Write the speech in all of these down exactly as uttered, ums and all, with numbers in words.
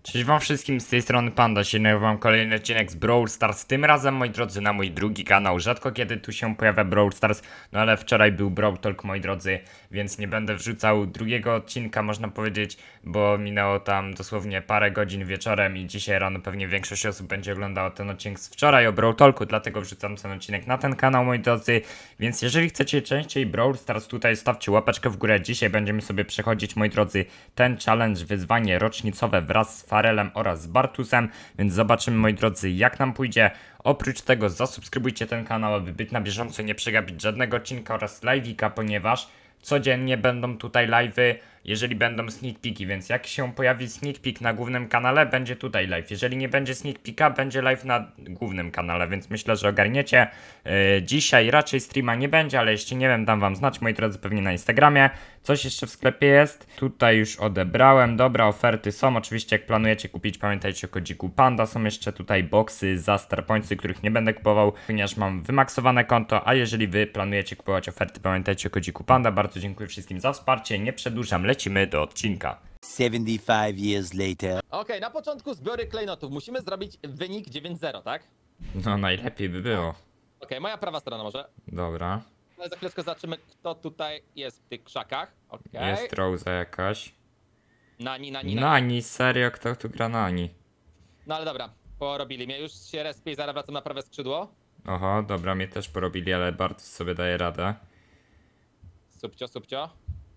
Cześć wam wszystkim, z tej strony Panda, się nagrywam kolejny odcinek z Brawl Stars, tym razem moi drodzy na mój drugi kanał. Rzadko kiedy tu się pojawia Brawl Stars, no ale wczoraj był Brawl Talk moi drodzy, więc nie będę wrzucał drugiego odcinka można powiedzieć, bo minęło tam dosłownie parę godzin wieczorem i dzisiaj rano pewnie większość osób będzie oglądała ten odcinek z wczoraj o Brawl Talku, dlatego wrzucam ten odcinek na ten kanał moi drodzy, więc jeżeli chcecie częściej Brawl Stars tutaj stawcie łapeczkę w górę. Dzisiaj będziemy sobie przechodzić moi drodzy ten challenge, wyzwanie rocznicowe wraz z Farelem oraz z Bartusem, więc zobaczymy moi drodzy jak nam pójdzie. Oprócz tego zasubskrybujcie ten kanał, aby być na bieżąco, nie przegapić żadnego odcinka oraz live'ika, ponieważ codziennie będą tutaj live'y, jeżeli będą sneak peeki, więc jak się pojawi sneak peek na głównym kanale, będzie tutaj live. Jeżeli nie będzie sneak peeka, będzie live na głównym kanale, więc myślę, że ogarniecie. Yy, dzisiaj raczej streama nie będzie, ale jeśli nie wiem, dam wam znać, moi drodzy, pewnie na Instagramie. Coś jeszcze w sklepie jest. Tutaj już odebrałem. Dobra, oferty są. Oczywiście jak planujecie kupić, pamiętajcie o kodziku Panda. Są jeszcze tutaj boxy za Starpointsy, których nie będę kupował, ponieważ mam wymaksowane konto, a jeżeli wy planujecie kupować oferty, pamiętajcie o kodziku Panda. Bardzo dziękuję wszystkim za wsparcie. Nie przedłużam, lecimy do odcinka. seventy-five years later. Okej, na początku zbiory klejnotów. Musimy zrobić wynik dziewięć zero, tak? No najlepiej by było. Okej, moja prawa strona może. Dobra. Ale za chwileczkę zobaczymy, kto tutaj jest w tych krzakach. Okej. Jest Rosa jakaś. Nani, nani, nani. Nani, serio? Kto tu gra Nani? No ale dobra, porobili mnie. Już się respię i zaraz wracam na prawe skrzydło. Oho, dobra, mnie też porobili, ale Bartus sobie daje radę. Subcio, subcio.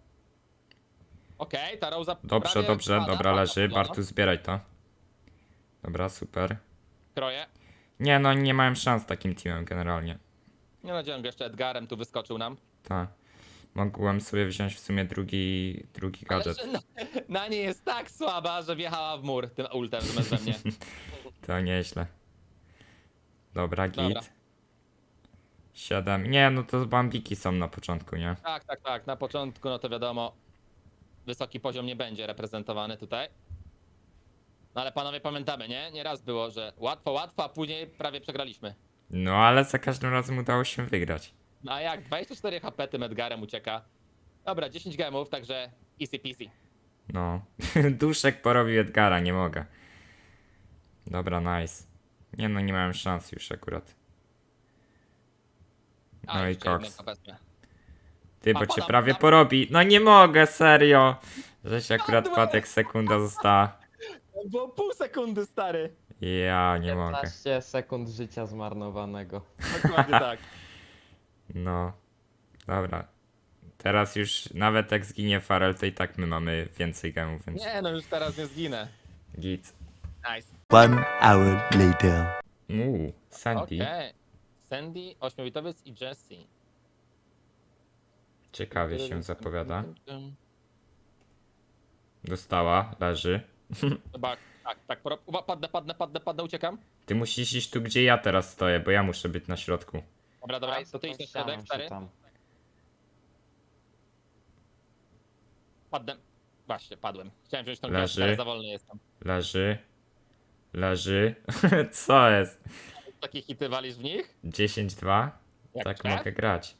Okej, ta Rosa Dobrze, prawie dobrze, pada, dobra, pada, leży. pada. Bartus, zbieraj to. Dobra, super. Kroję. Nie, no nie miałem szans takim teamem generalnie. Nie nadzieję, że jeszcze Edgarem tu wyskoczył nam. Tak. Mogłem sobie wziąć w sumie drugi, drugi Ale gadżet. że na, Nani jest tak słaba, że wjechała w mur tym ultem zamiast we mnie. To nieźle. Dobra, git. Dobra. Siedem. Nie, no to bambiki są na początku, nie? Tak, tak, tak. Na początku, no to wiadomo, wysoki poziom nie będzie reprezentowany tutaj. No ale panowie pamiętamy, nie? Nieraz było, że łatwo, łatwo, a później prawie przegraliśmy. No ale za każdym razem udało się wygrać. No a jak? dwadzieścia cztery H P tym Edgarem ucieka. Dobra, dziesięć gemów, także easy peasy. No. Duszek porobił Edgara, nie mogę. Dobra, nice. Nie no, nie miałem szans już akurat. A, No i jeszcze koks. jednego wezmę. Ty, bo A, cię podam, prawie podam. porobi. No nie mogę, serio. Żeś akurat padł jak sekunda została. Było pół sekundy, stary. Ja nie mogę. piętnaście sekund życia zmarnowanego. Dokładnie tak. No. Dobra. Teraz już nawet jak zginie Farel, to i tak my mamy więcej gemów, więc Nie no, już teraz nie zginę. git. Nice. One hour later. Uuu, Sandy. Okej. Sandy, ośmiobitowiec i Jessie. Ciekawie się zapowiada. Dostała, leży. Chyba, tak, tak, poro- uwa- padnę, padnę, padnę, padnę, uciekam. Ty musisz iść tu, gdzie ja teraz stoję, bo ja muszę być na środku. Dobra, dobra, Aj, to ty idź na ścianą środek, się stary. tam. Padnę. Właśnie, padłem. Chciałem wziąć tą Leży. gwiazdkę, ale za wolny jestem. Leży. Leży. Co jest? Takie hity walisz w nich? dziesięć dwa? Jak Tak szef? mogę grać.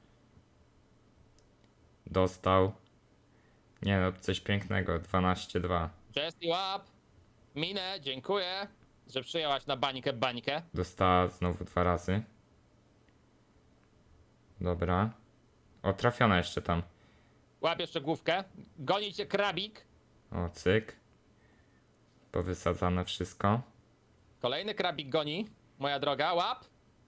Dostał. Nie no, coś pięknego. dwanaście dwa. Jessie, łap! Minę, dziękuję, że przyjęłaś na bańkę bańkę. Dostała znowu dwa razy. Dobra. O, trafiona jeszcze tam. Łap jeszcze główkę. Goni cię krabik. O, cyk. Powysadzane wszystko. Kolejny krabik goni. Moja droga, łap.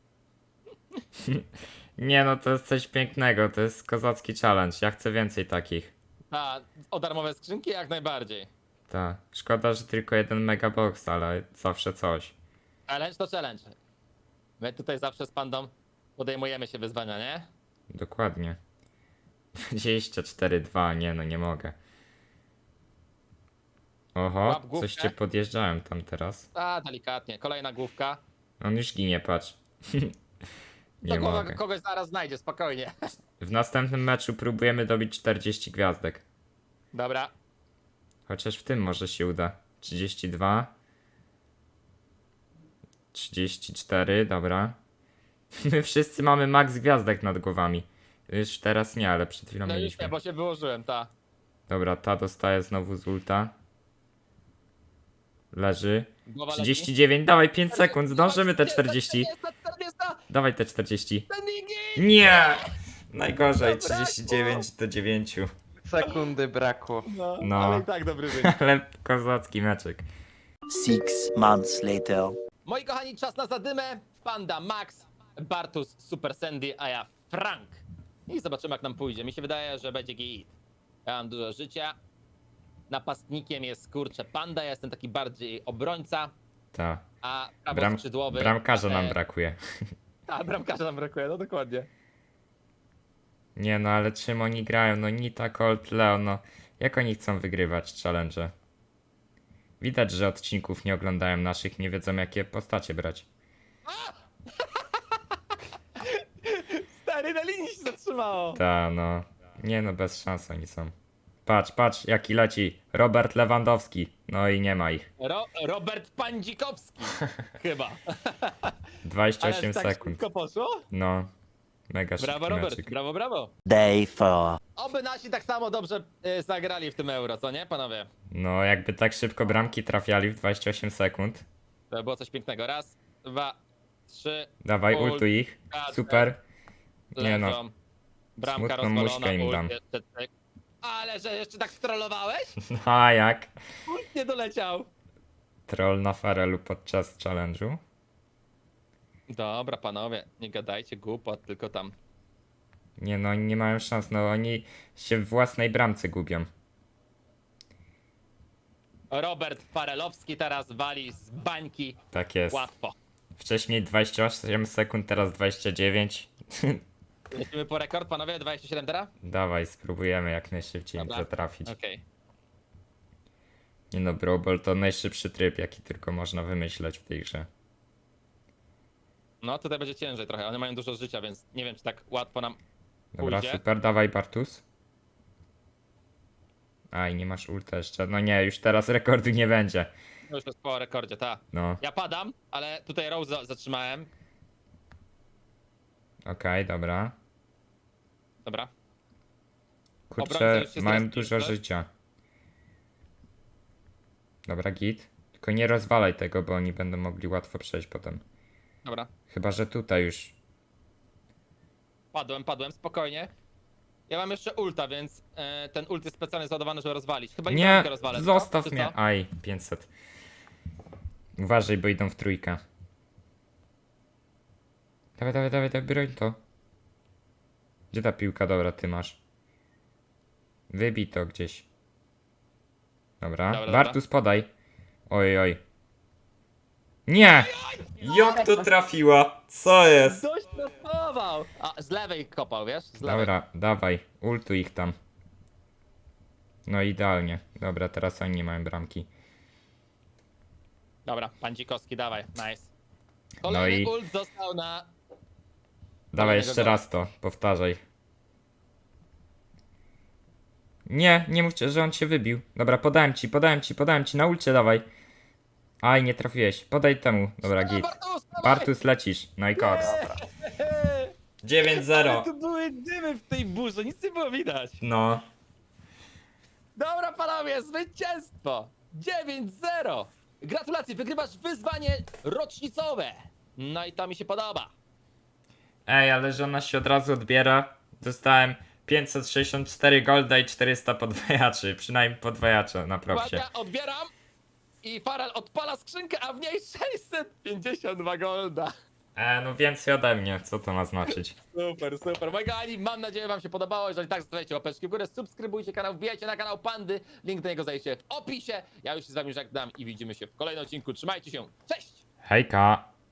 Nie no, to jest coś pięknego. To jest kozacki challenge. Ja chcę więcej takich. A, o darmowe skrzynki jak najbardziej. Tak. Szkoda, że tylko jeden megabox, ale zawsze coś. Challenge to challenge. My tutaj zawsze z pandą podejmujemy się wyzwania, nie? Dokładnie. dwadzieścia cztery dwa, nie no, nie mogę. Oho, Łap główkę. coś cię podjeżdżałem tam teraz. A, delikatnie. Kolejna główka. On już ginie, patrz. To Nie głowa mogę. kogoś zaraz znajdzie, spokojnie. W następnym meczu próbujemy dobić czterdzieści gwiazdek. Dobra. Chociaż w tym może się uda. trzydzieści dwa. trzydzieści cztery, dobra. My wszyscy mamy max gwiazdek nad głowami. Już teraz nie, ale przed chwilą No już mieliśmy. nie, bo się wyłożyłem, ta. Dobra, ta dostaje znowu z ulta. Leży. Głowa trzydzieści dziewięć, dawaj pięć sekund, zdążymy te czterdzieści. czterdzieści, czterdzieści. Dawaj te czterdzieści. Ten nigi! Nie! Najgorzej, Zabrakło. trzydzieści dziewięć do dziewięciu. Sekundy brakło. No, No. ale i tak dobry wynik. Ale kozacki meczek. Six months later. Moi kochani, czas na zadymę. Panda Max, Bartus, Super Sandy, a ja Frank. I zobaczymy jak nam pójdzie. Mi się wydaje, że będzie git. Ja mam dużo życia. Napastnikiem jest kurczę Panda, ja jestem taki bardziej obrońca, Ta. a Bram, prawoskrzydłowy... bramkarza nam e, brakuje. A, bramkarza nam brakuje, no dokładnie. Nie no, ale czym oni grają? No Nita, Colt, Leo, no. Jak oni chcą wygrywać challenge? Widać, że odcinków nie oglądają naszych, nie wiedzą jakie postacie brać. Stary, na linii się zatrzymało. Ta, no. Nie no, bez szans oni są. Patrz, patrz, jaki leci. Robert Lewandowski. No i nie ma ich. Ro Robert Pandzikowski. Chyba. dwadzieścia Ale osiem tak sekund. szybko poszło? No. Mega Brawo szybki Robert, meczyk. brawo, brawo. Day four. Oby nasi tak samo dobrze y, zagrali w tym euro, co nie panowie? No, jakby tak szybko bramki trafiali w dwadzieścia osiem sekund. To by było coś pięknego. Raz, dwa, trzy. Dawaj, Ult, ultuj ich. kasę, Super. Nie no. Leżą. Bramka smutną rozwalona, muszkę im ult dam. jeszcze, cyk. Ale że jeszcze tak strollowałeś? No a jak? Ult nie doleciał. Troll na farelu podczas challenge'u. Dobra panowie, nie gadajcie głupot, tylko tam. Nie no, oni nie mają szans, no oni się w własnej bramce gubią. Robert Farelowski teraz wali z bańki. Tak jest. Łatwo. Wcześniej dwadzieścia osiem sekund, teraz dwadzieścia dziewięć. Lecimy po rekord, panowie, dwadzieścia siedem teraz? Dawaj, spróbujemy jak najszybciej Dobra. zatrafić. Okej. Nie no, Brawl Ball to najszybszy tryb, jaki tylko można wymyśleć w tej grze. No tutaj będzie ciężej trochę, one mają dużo życia, więc nie wiem czy tak łatwo nam Dobra, pójdzie. super, dawaj Bartus. Aj, nie masz ulta jeszcze. No nie, już teraz rekordu nie będzie. No już jest po rekordzie, ta. No, Ja padam, ale tutaj Rose za- zatrzymałem. okej, dobra. Dobra. Kurczę, Obrońca już się mają zaraz dużo pisze. życia. Dobra, git. Tylko nie rozwalaj tego, bo oni będą mogli łatwo przejść potem. Dobra. Chyba, że tutaj już. Padłem, padłem, spokojnie. Ja mam jeszcze ulta, więc e, ten ult jest specjalnie załadowany, żeby rozwalić. Chyba Nie, bramkę rozwalę. co? zostaw Czy mnie. co? Aj, pięćset. Uważaj, bo idą w trójkę. Dawaj, dawaj, dawaj, dawaj, broń to. Gdzie ta piłka? Dobra, ty masz. Wybij to gdzieś. Dobra, Dobra, dobra. Bartus podaj. Oj, oj. Nie! Jak to trafiła? Co jest? Dość trasował! A, z lewej kopał, wiesz? Z lewej. Dobra, dawaj, ultuj ich tam. No idealnie. Dobra, teraz oni nie mają bramki. Dobra, Pandzikowski, dawaj, nice. Kolejny No i- ult został na... Dawaj Kolejnego jeszcze gola. raz to, powtarzaj. Nie, nie mówcie, że on się wybił. Dobra, podałem ci, podałem ci, podałem ci, na ulcie dawaj. Aj, nie trafiłeś, podaj temu. Dobra, git. Bartus, dawaj! Bartus lecisz, no i koks. dziewięć Ale zero. tu były dymy w tej burze, nic nie było widać. No, Dobra panowie, zwycięstwo! dziewięć zero! Gratulacje, wygrywasz wyzwanie rocznicowe! No i to mi się podoba. ej, ale że ona się od razu odbiera. Dostałem pięćset sześćdziesiąt cztery golda i czterysta podwajaczy, przynajmniej podwajacze na propsie. Uwaga, odbieram i Farel odpala skrzynkę, a w niej sześćset pięćdziesiąt dwa golda. E, no więcej ode mnie, co to ma znaczyć? Super, super. Moi kochani, mam nadzieję, wam się podobało. Jeżeli tak, zostawiajcie łapeczki w górę, subskrybujcie kanał, wbijajcie na kanał Pandy. Link do niego znajdziecie w opisie. Ja już się z wami żegnam i widzimy się w kolejnym odcinku. Trzymajcie się. Cześć! Hejka!